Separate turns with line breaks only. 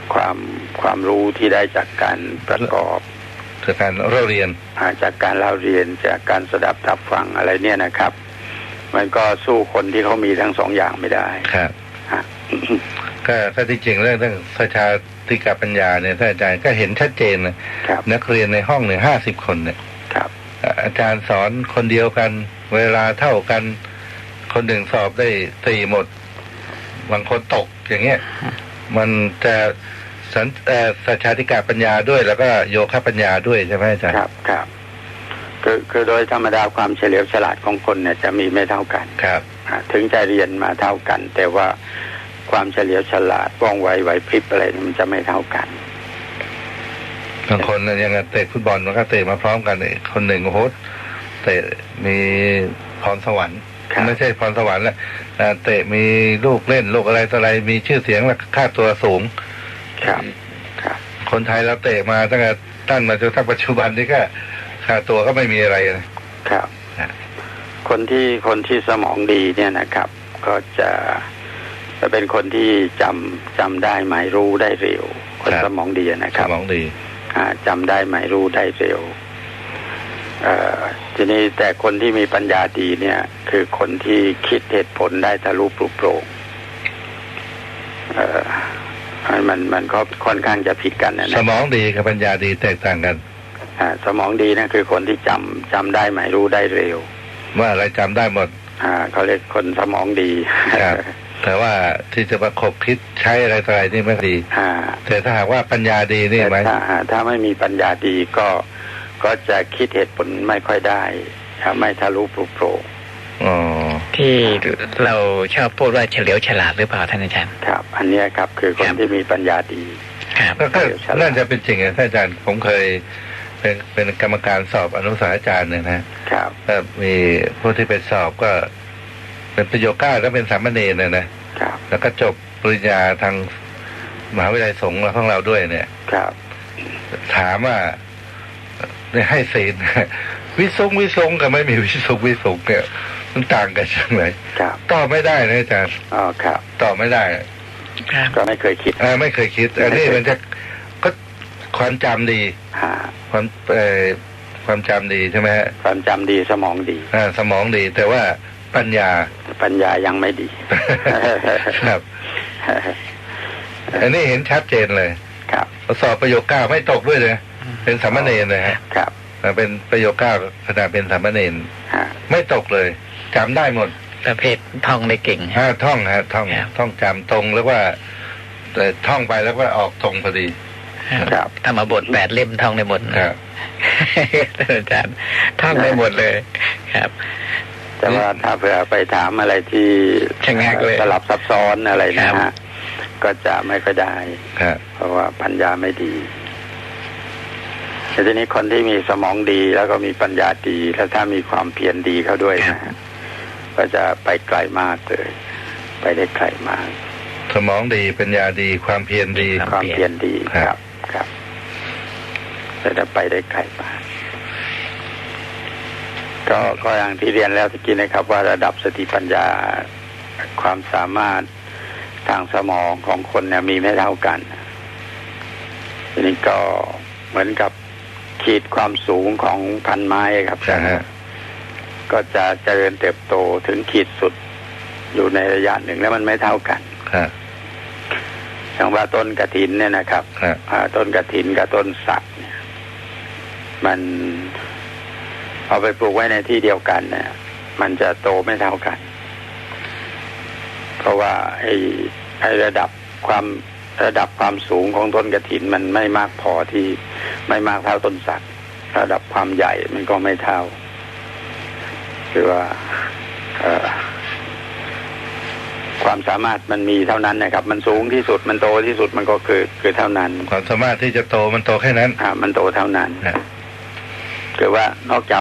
ความรู้ที่ได้จากการประกอบ
จากการเล่าเรียน
จากการเล่าเรียนจากการสดับรับฟังอะไรเนี่ยนะครับมันก็สู้คนที่เขามีทั้งสองอย่างไม่ได้
ครับก็ที่จริงเรื่องประชาธิปปัญญาเนี่ยท่านอาจารย์ก็เห็นชัดเจนนะนักเรียนในห้องเนี่ย50 คนเนี่ยอาจารย์สอนคนเดียวกันเวลาเท่ากันคนหนึ่งสอบได้4 หมดบางคนตกอย่างเงี้ยมันจะประชาธิปปัญญาด้วยแล้วก็โยคะปัญญาด้วยใช่ไหมอาจารย์
ครับคือโดยธรรมดาความเฉลียวฉลาดของคนเนี่ยจะมีไม่เท่ากัน
ครับ
ถึงจะเรียนมาเท่ากันแต่ว่าความเฉลียวฉลาดว่องไวไหวพริบอะไรมันจะไม่เท่ากัน
บางคนยังเตะฟุตบอลมันก็เตะมาพร้อมกันคนหนึ่งโอ้โหเตะมีพรสวรรค์ไม่ใช่พรสวรรค์แหละเตะมีลูกเล่นลูกอะไรต่ออะไรมีชื่อเสียงและค่าตัวสูง
ครับ
คนไทยเราเตะมาตั้งแต่ตั้งมาจนถึงปัจจุบันนี้ก็ค่าตัวก็ไม่มีอะไร
นะครับคนที่สมองดีเนี่ยนะครับก็จะเป็นคนที่จำได้หมายรู้ได้เร็วคนสมองดีนะครับ
สมองดี
จำได้หมายรู้ได้เร็วทีนี้แต่คนที่มีปัญญาดีเนี่ยคือคนที่คิดเหตุผลได้ทะลุปลุกโปร่งมันก็ค่อนข้างจะผิดกันนะ
สมองดีกับปัญญาดีแตกต่างกัน
สมองดีนะคือคนที่จำได้หมายรู้ได้เร็ว
ว่าอะไรจำได้หมด
เขาเรียกคนสมองดี
แต่ว่าที่จะประคบคิดใช้อะไรต่ออะไรนี่ไม่ดีแต่ถ้าหากว่าปัญญาดีนี่ไหม
ถ้าไม่มีปัญญาดีก็จะคิดเหตุผลไม่ค่อยได้ไม่ทะลุปลุกโปร่ง
ที่เราชอบพูดว่าเฉลียวฉลาดหรือเปล่าท่านอาจารย์
ครับอันนี้ครับคือคนที่มีปัญญาดี
ก็น่าจะเป็นจริงท่านอาจารย์ผมเคยเป็นกรรมการสอบอนุสาวรีย์อาจารย์เนี่ยนะครับก็มีผู้ที่ไปสอบก็เป็นประโยค9แล้วเป็นสามเณรนะครับแล้วก็จบปริญญาทางมหาวิทยาลัยสงฆ์ของเราด้วยเนี่ย
ครับ
ถามว่าให้ศีลวิสุงกับไม่มีวิสุงเนี่ยมันต่างกันจังเลยตอบไม่ได้นะอาจารย์
ครับ
ตอบไม่ได้
ก็ไม่เคยคิด
ไม่เคยคิดอันนี้มันจะก็ความจำดีความจำดีใช่ไหมฮะ
ความจำดีสมองดี
สมองดีแต่ว่าปัญญา
ยังไม่ดี
ครับอันนี้เห็นชัดเจนเลย
ครับ
สอบประโยค9ไม่ตกด้วยเลยเป็นสามเณรเลยฮะ
ครับ
เป็นประโยค9ขณะเป็นสามเณรไม่ตกเลยจำได้หมด
ประเภทท่องได้เก่ง
ท่องจำตรงแล้วว่าแต่ท่องไปแล้วก็ออกตรงพอดี
ครับ
ธรรมบท8 เล่มท่องได้หมด
ครับ
อาจารย์ท่องได้หมดเลยครับ
แต่ว่าถ้าเผื่อไปถามอะไรที่สลับซับซ้อนอะไรนะฮะก็จะไม่ค่อยได้เพราะว่าปัญญาไม่ดีแต่ทีนี้คนที่มีสมองดีแล้วก็มีปัญญาดีแล้วถ้ามีความเพียรดีเข้าด้วยนะก็จะไปไกลมากเลยไปได้ไกลมาก
สมองดีปัญญาดีความเพียรดี
ความเพียรดีครับจะไปได้ไกลมากก็อย่างที่เรียนแล้วตะกี้นะครับว่าระดับสติปัญญาความสามารถทางสมองของคนเนี่ยมีไม่เท่ากันทีนี้ก็เหมือนกับขีดความสูงของพันไม้ครับก็จะเจริญเติบโตถึงขีดสุดอยู่ในระยะหนึ่งแล้วมันไม่เท่ากันอย่างว่าต้นกฐินเนี่ยนะครับต้นกฐินกับต้นสักเนี่ยมันเอาไปปลูกไว้ในที่เดียวกันเนี่ยมันจะโตไม่เท่ากันเพราะว่าไอ้ระดับความสูงของต้นกฐินมันไม่มากพอที่ไม่มากเท่าต้นสักระดับความใหญ่มันก็ไม่เท่าคือว่าความสามารถมันมีเท่านั้นนะครับมันสูงที่สุดมันโตที่สุดมันก็คือเท่านั้น
ความสามารถที่จะโตมันโตแค่นั้น
มันโตเท่านั้นคือว่านอกจาก